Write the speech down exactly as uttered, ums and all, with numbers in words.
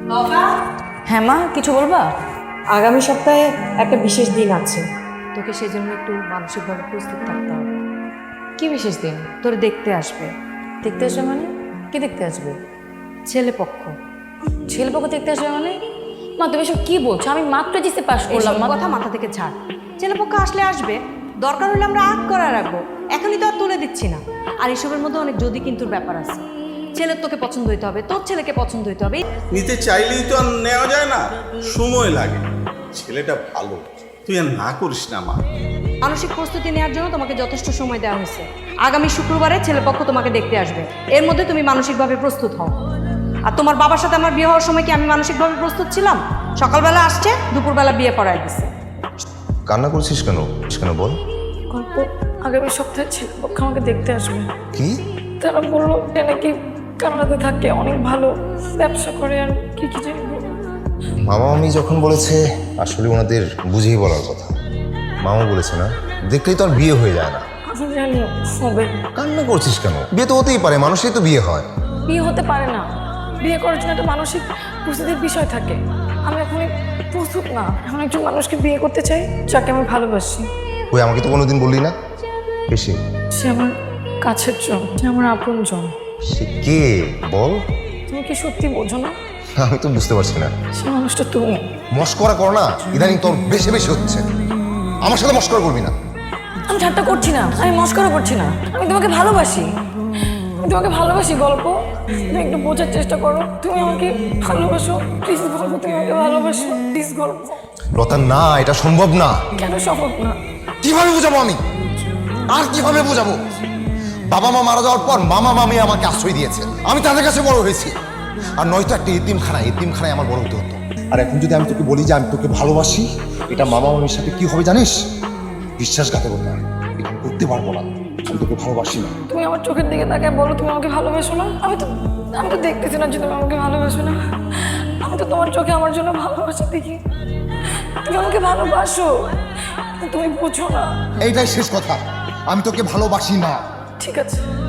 হ্যাঁ মা, কিছু বলবা? আগামী সপ্তাহে একটা বিশেষ দিন আছে, তোকে সেই জন্য একটু মানসিকভাবে প্রস্তুত থাকতে হবে। কি বিশেষ দিন? তোর দেখতে আসবে। দেখতে আসবে মানে? কি দেখতে আসবে? ছেলে পক্ষ। ছেলেপক্ষ দেখতে আসবে মানে? মা তুমি সব কি বলছো? আমি মাত্র জিসে পাস করলাম। এসব কথা মাথা থেকে ছাড়। ছেলে পক্ষ আসলে আসবে, দরকার হলে আমরা আগ করা রাখবো, এখনই তো আর তুলে দিচ্ছি না। আর এসবের মধ্যে অনেক যদি কিন্তুর ব্যাপার আছে। ছেলের তোকে পছন্দ হইতে হবে, তোর ছেলেকে পছন্দ হইতে হবে। নিতে চাইলেই তো আর নেওয়া যায় না, সময় লাগে। ছেলেটা ভালো, তুই আর না করিস না মা। মানসিক প্রস্তুতি নেওয়ার জন্য তোমাকে যথেষ্ট সময় দেওয়া হয়েছে। আগামী শুক্রবারে ছেলেপক্ষ তোমাকে দেখতে আসবে, এর মধ্যে তুমি মানসিকভাবে প্রস্তুত হও। আর তোমার বাবার সাথে আমার বিয়ে হওয়ার সময় কি আমি মানসিকভাবে প্রস্তুত ছিলাম? সকালবেলা আসছে, দুপুরবেলা বিয়ে পড়ায় দিচ্ছে। কান্না করছিস কেন কেন বল। গল্প, আগামী সপ্তাহে ছেলেপক্ষ আমাকে দেখতে আসবে। কি? তারা বললো যে নাকি কানাডাতে থাকে, অনেক ভালো ব্যবসা করে, আর কি কি জানি বললো। মামা মামি যখন বলেছে আসলে ওনাদের বুঝিয়ে বলার কথা। মামা বলেছে না, দেখলেই তো আর বিয়ে হয়ে যায় না। আমি জানি হবে। কান্না করছিস কেন? বিয়ে তো হতেই পারে, মানুষই তো বিয়ে হয়। বিয়ে হতে পারে না, বিয়ে করার জন্য একটা মানসিক প্রস্তুতির বিষয় থাকে। আমি এখন প্রস্তুত না। এখন একজন মানুষকে বিয়ে করতে চাই যাকে আমি ভালোবাসি। ওই আমাকে তো কোনোদিন বললি না। বেশি সে আমার কাছের জন, সে আমার আপন জন। সে কে বল? তুমি কি সত্যি বোঝো না? আমি তো বুঝতে পারছি না। সে মানুষটা তুমি। মস্করা কর না, ইদানিং তোর বেশি বেশি হচ্ছে। আমার সাথে মস্করা করবি না। আমি ঠাট্টা করছি না, আমি মস্করা করছি না। আমি তোমাকে ভালোবাসি, আমি তোমাকে ভালোবাসি। গল্প, তুমি একটু বোঝার চেষ্টা করো। তুমি আমাকে ভালোবাসো, প্লিজ গল্প, তুমি আমাকে ভালোবাসো প্লিজ। গল্প লতা, না, এটা সম্ভব না। কেন সম্ভব না? কিভাবে বোঝাবো আমি? আর কিভাবে বোঝাবো? বাবা মা মারা যাওয়ার পর মামা মামি আমাকে আশ্রয় দিয়েছে, আমি তাদের কাছে বড় হয়েছি। আর নয়তো একটা এতিমখানা, এতিমখানায় আমার বড় হতে হতো। আর এখন যদি আমি তোকে বলি যে আমি তোকে ভালোবাসি, এটা মামা মামির সাথে কি হবে জানিস? বিশ্বাসঘাতকতা। এটা আমি করতে পারবো না। আমি তোকে ভালোবাসি না। তুমি আমার চোখের দিকে তাকায় বলো তুমি আমাকে ভালোবাসো না। আমি তো আমি তো দেখতেছি না যে তুমি আমাকে ভালোবাসো না। আমি তো তোমার চোখে আমার জন্য ভালোবাসা দেখি। তুমি আমাকে ভালোবাসো, তুমি বুঝো না। এইটাই শেষ কথা, আমি তোকে ভালোবাসি না। ঠিক আছে,